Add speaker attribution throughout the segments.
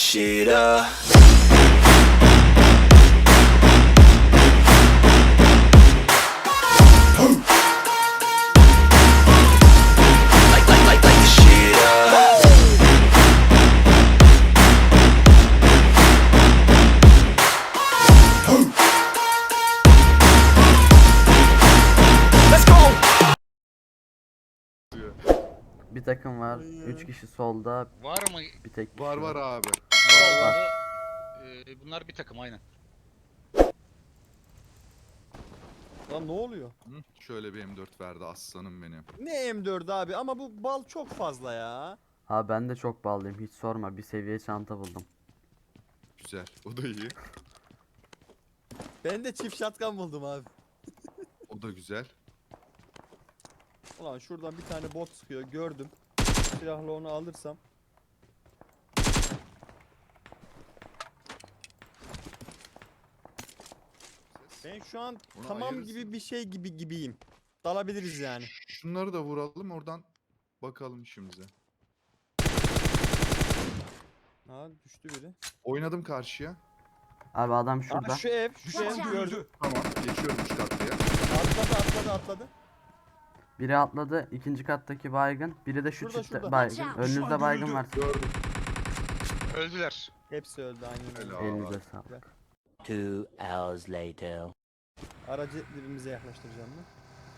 Speaker 1: shit up. Like the shit up. Let's go.
Speaker 2: Bir takım var. 3 kişi solda,
Speaker 3: Var mı?
Speaker 2: bir tek kişi
Speaker 4: Var abi.
Speaker 3: Vallahi, bunlar bir takım aynen.
Speaker 5: Lan ne oluyor?
Speaker 4: Hı, şöyle bir M4 verdi aslanım benim.
Speaker 5: Ne M4 abi ama bu bal çok fazla ya.
Speaker 2: Ha ben de çok bağlıyım, hiç sorma. Bir seviye çanta buldum.
Speaker 4: Güzel. O da iyi.
Speaker 5: Ben de çift shotgun buldum abi.
Speaker 4: O da güzel.
Speaker 5: Ulan şuradan bir tane bot sıkıyor gördüm. Silahla onu alırsam. Ben şu an
Speaker 4: Onu
Speaker 5: tamam
Speaker 4: ayırırsın.
Speaker 5: gibi bir şey gibiyim. Dalabiliriz yani.
Speaker 4: Şunları da vuralım oradan bakalım işimize.
Speaker 5: Ha düştü biri.
Speaker 4: Oynadım karşıya.
Speaker 2: Abi adam şurada.
Speaker 5: Aa, şu ev
Speaker 6: Watch out.
Speaker 5: gördüm.
Speaker 4: Tamam geçiyorum üst katlıya.
Speaker 5: Atladı.
Speaker 2: Biri atladı, ikinci kattaki baygın. Biri de şu
Speaker 5: Şurada,
Speaker 2: çifte
Speaker 5: şurada.
Speaker 2: baygın.
Speaker 6: Watch out.
Speaker 2: Önünüzde baygın var.
Speaker 4: Gördüm.
Speaker 3: Öldüler.
Speaker 5: Hepsi öldü aynen öyle.
Speaker 4: Helal.
Speaker 2: Elinize sağlık.
Speaker 1: 2 hours later.
Speaker 5: Aracı dibimize yaklaştıracağım ben.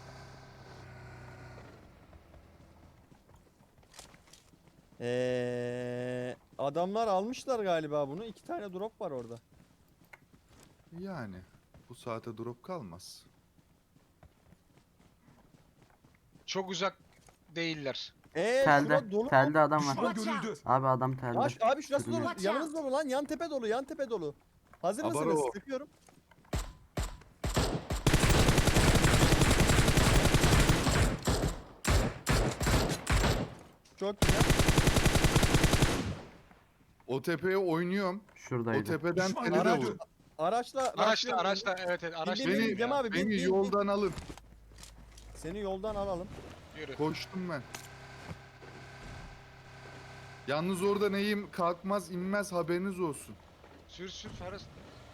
Speaker 5: Adamlar almışlar galiba bunu. 2 tane drop var orada.
Speaker 4: Yani bu saate drop kalmaz.
Speaker 3: Çok uzak değiller.
Speaker 5: Şura
Speaker 2: Telde,
Speaker 5: dolu.
Speaker 2: telde adam var.
Speaker 6: Watch out.
Speaker 2: Abi adam telde.
Speaker 5: Abi şurası dolu.
Speaker 2: Sürünüyor.
Speaker 6: Watch
Speaker 5: Yanınız dolu lan. Yan tepe dolu. Yan tepe dolu. Hazır
Speaker 4: Abaro.
Speaker 5: mısınız? Sıkıyorum. Çok güzel.
Speaker 4: O tepeye oynuyorum. O
Speaker 2: Şuradaydı.
Speaker 4: tepeden tele de
Speaker 5: Araç-
Speaker 4: vur.
Speaker 5: Araçla
Speaker 3: Araçla evet araçla.
Speaker 5: Bin, bin,
Speaker 4: Beni,
Speaker 5: Cem abi, bin,
Speaker 4: beni
Speaker 5: bin, bin.
Speaker 4: yoldan alın.
Speaker 5: Seni yoldan alalım.
Speaker 3: Yürü.
Speaker 4: Koştum ben. Yalnız orada neyim kalkmaz inmez haberiniz olsun.
Speaker 3: Sür Faras.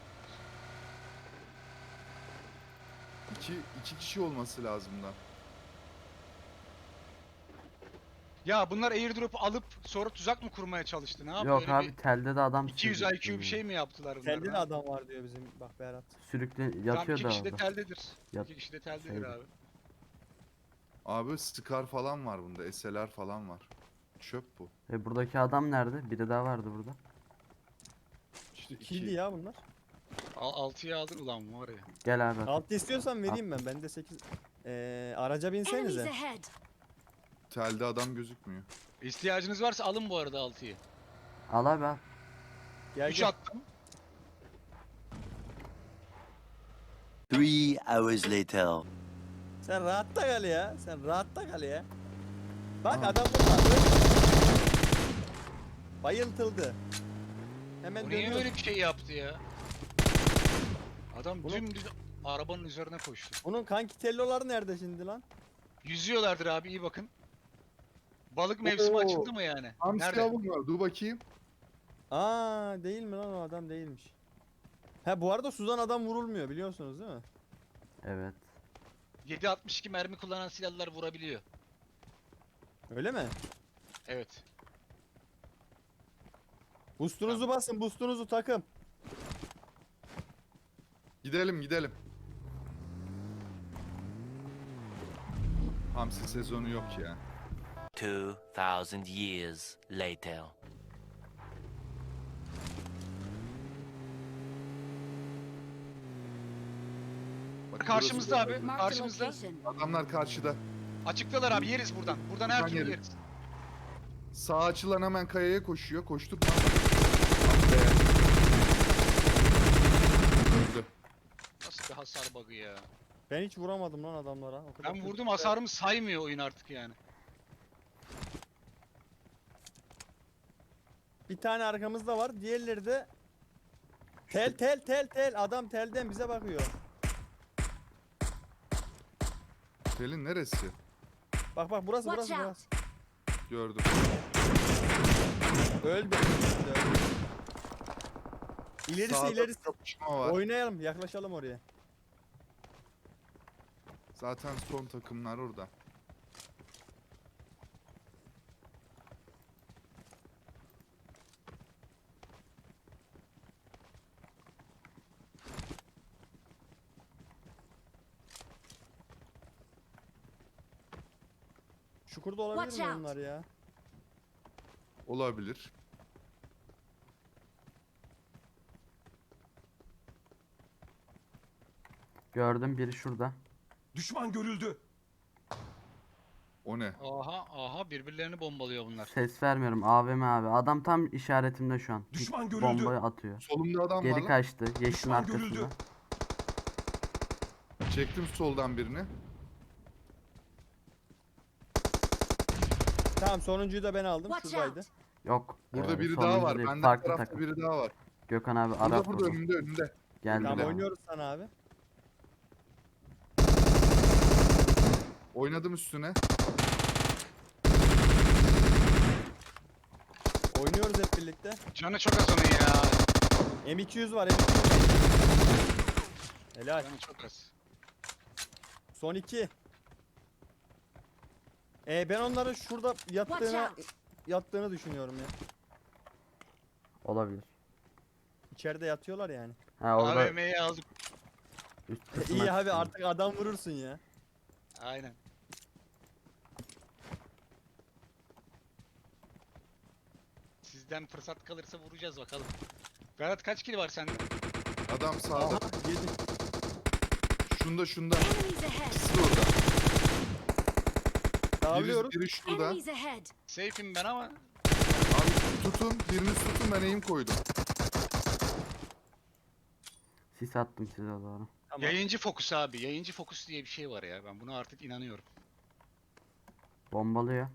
Speaker 4: İki kişi olması lazım da.
Speaker 3: Ya bunlar airdrop'u alıp sonra tuzak mı kurmaya çalıştı? Ne yapıyor?
Speaker 2: Yok
Speaker 3: Öyle
Speaker 2: abi
Speaker 3: bir
Speaker 2: telde de adam
Speaker 3: 200
Speaker 2: sürükleniyor.
Speaker 3: IQ bir şey mi yaptılar bunlar?
Speaker 5: Telde de adam var diyor bizim bak Berat.
Speaker 2: Sürüklen
Speaker 3: Tam
Speaker 2: yatıyor
Speaker 3: 2
Speaker 2: da
Speaker 3: kişi de
Speaker 2: orada.
Speaker 3: teldedir.
Speaker 2: Yat-
Speaker 3: 2 kişi de teldedir
Speaker 2: şeyde.
Speaker 3: abi.
Speaker 4: Abi Scar falan var bunda. SLR falan var. Çöp bu.
Speaker 2: Buradaki adam nerede? Biri daha vardı burada.
Speaker 4: İşte
Speaker 5: Kildi ya bunlar.
Speaker 3: 6'ya aldın ulan var ya.
Speaker 2: Gel abi.
Speaker 5: Altı istiyorsan vereyim ben. Bende 8. Araca
Speaker 6: Enemies
Speaker 5: binsenize.
Speaker 6: ahead.
Speaker 4: Telde adam gözükmüyor.
Speaker 3: İhtiyacınız varsa alın bu arada 6'yı.
Speaker 2: Al abi al.
Speaker 5: Gel
Speaker 3: 3
Speaker 5: gel.
Speaker 3: attım.
Speaker 1: 3 hours later.
Speaker 5: Sen rahatta kal ya. Sen rahatta kal ya. Bak
Speaker 4: Aha.
Speaker 5: adam burada. Bayıltıldı. Hemen
Speaker 3: Bu niye
Speaker 5: dönüyor.
Speaker 3: öyle bir şey yaptı ya? Adam
Speaker 5: Bunu-
Speaker 3: dümdüz arabanın üzerine koştu.
Speaker 5: Bunun kanki telloları nerede şimdi lan?
Speaker 3: Yüzüyorlardır abi iyi bakın. Balık mevsimi
Speaker 4: Oo.
Speaker 3: açıldı mı yani?
Speaker 4: Hamsi
Speaker 3: Nerede?
Speaker 4: avım var. Dur bakayım.
Speaker 5: Aa değil mi lan o adam değilmiş. Ha bu arada Suzan adam vurulmuyor biliyorsunuz değil mi?
Speaker 2: Evet.
Speaker 3: 7.62 mermi kullanan silahlar vurabiliyor.
Speaker 5: Öyle mi?
Speaker 3: Evet.
Speaker 5: Boost'unuzu basın, boost'unuzu takım.
Speaker 4: Gidelim. Hamsi sezonu yok ya.
Speaker 1: 2000 years later.
Speaker 4: Bak,
Speaker 3: Karşımızda abi.
Speaker 6: Mark the
Speaker 3: Karşımızda.
Speaker 6: location.
Speaker 4: burası- Adamlar karşıda.
Speaker 3: Açıktalar abi yeriz buradan. Buradan her
Speaker 4: Buradan
Speaker 3: türlü
Speaker 4: yeriz.
Speaker 3: yeriz.
Speaker 4: Sağ açılan hemen kayaya koşuyor. Koştuk mu? Öldü.
Speaker 3: Nasıl bir hasar bug'ı ya.
Speaker 5: Ben hiç vuramadım lan adamlara. O kadar
Speaker 3: Ben
Speaker 5: kötü.
Speaker 3: vurdum hasarımı saymıyor oyun artık yani.
Speaker 5: Bir tane arkamızda var. Diğerleri de tel. Adam telden bize bakıyor.
Speaker 4: Telin neresi?
Speaker 5: Bak burası
Speaker 6: Watch
Speaker 5: burası
Speaker 6: out.
Speaker 5: burası.
Speaker 4: Gördüm.
Speaker 5: Öldü. İlerisi
Speaker 4: Sağda
Speaker 5: ilerisi.
Speaker 4: kapışma var.
Speaker 5: Oynayalım, yaklaşalım oraya.
Speaker 4: Zaten son takımlar orada.
Speaker 5: Çukurda olabilir mi
Speaker 6: Watch out.
Speaker 5: onlar ya?
Speaker 4: Olabilir.
Speaker 2: Gördüm biri şurada.
Speaker 7: Düşman görüldü.
Speaker 4: O ne?
Speaker 3: Aha birbirlerini bombalıyor bunlar.
Speaker 2: Ses vermiyorum. AVM abi. Adam tam işaretimde şu an.
Speaker 7: Düşman görüldü.
Speaker 2: Bombayı atıyor.
Speaker 4: Solumda adam var
Speaker 2: Geri
Speaker 4: lan.
Speaker 2: kaçtı. Yeşilin
Speaker 7: Düşman görüldü.
Speaker 2: arkasında.
Speaker 4: Çektim soldan birini.
Speaker 5: Tamam, sonuncuyu da ben aldım.
Speaker 6: Watch
Speaker 5: Şuradaydı.
Speaker 6: out.
Speaker 2: Yok.
Speaker 4: Burada biri
Speaker 2: sonuncu
Speaker 4: daha var.
Speaker 2: değil,
Speaker 4: Benden
Speaker 2: farklı
Speaker 4: tarafta
Speaker 2: takım.
Speaker 4: biri daha var.
Speaker 2: Gökhan abi
Speaker 4: Burada
Speaker 2: Arap
Speaker 4: burada
Speaker 2: vurdu.
Speaker 4: önümde.
Speaker 2: Geldi.
Speaker 5: Tamam,
Speaker 2: de.
Speaker 5: oynuyoruz sana abi.
Speaker 4: Oynadım üstüne.
Speaker 5: Oynuyoruz hep birlikte.
Speaker 3: Canı çok az onun ya.
Speaker 5: M200 var, M200. Helal.
Speaker 3: Canı çok az.
Speaker 5: Son 2. Ben onların şurada
Speaker 6: Watch
Speaker 5: yattığını düşünüyorum ya.
Speaker 2: Olabilir.
Speaker 5: İçeride yatıyorlar yani.
Speaker 2: Ha orada
Speaker 3: AVM'yi aldık.
Speaker 2: üst kısma
Speaker 5: İyi abi,
Speaker 2: çıktım.
Speaker 5: artık adam vurursun ya.
Speaker 3: Aynen. Sizden fırsat kalırsa vuracağız bakalım. Berat kaç kill var sende?
Speaker 4: Adam sağda.
Speaker 5: Aha, yedi.
Speaker 4: Şunda.
Speaker 6: Enemies ahead.
Speaker 4: İkisi de orada.
Speaker 5: Dağılıyoruz.
Speaker 4: Biri şurada.
Speaker 6: Enemies ahead.
Speaker 3: Safe'im ben ama
Speaker 4: Abi tutun. Birini tutun, ben aim koydum.
Speaker 2: Sis attım size doğru.
Speaker 5: Tamam.
Speaker 3: yayıncı fokus abi. Yayıncı fokus diye bir şey var ya. Ben buna artık inanıyorum.
Speaker 2: Bombalıyor.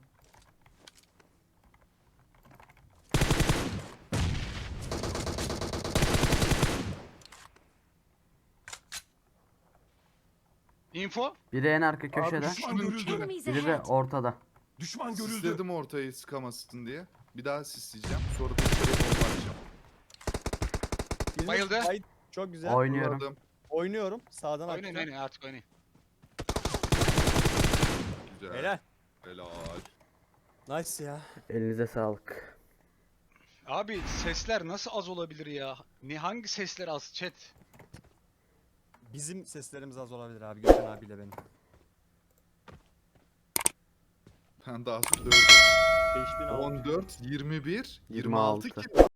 Speaker 3: Info?
Speaker 2: Biri en arka köşede.
Speaker 7: Düşman görüldü.
Speaker 6: Enemies
Speaker 2: Biri de
Speaker 6: ahead.
Speaker 2: ortada.
Speaker 7: Düşman görüldü.
Speaker 4: Sisledim ortayı sıkamasın diye. Bir daha sisleyeceğim. Sonra da içeri bomba atacağım.
Speaker 5: Birini-
Speaker 3: Bayıldı.
Speaker 5: Ay, çok güzel.
Speaker 2: Oynuyorum.
Speaker 4: Vurladım.
Speaker 5: Oynuyorum. Sağdan
Speaker 3: Oynayın
Speaker 5: atacağım.
Speaker 3: oynayın artık oynayın.
Speaker 4: Güzel.
Speaker 5: Helal.
Speaker 4: Helal.
Speaker 5: Nice ya.
Speaker 2: Elinize sağlık.
Speaker 3: Abi sesler nasıl az olabilir ya? Hangi sesler az chat?
Speaker 5: Bizim seslerimiz az olabilir abi. Gökhan abiyle benim.
Speaker 4: Ben daha 4.
Speaker 5: 5600.
Speaker 4: 14, 21, 26
Speaker 2: 26.
Speaker 4: kill.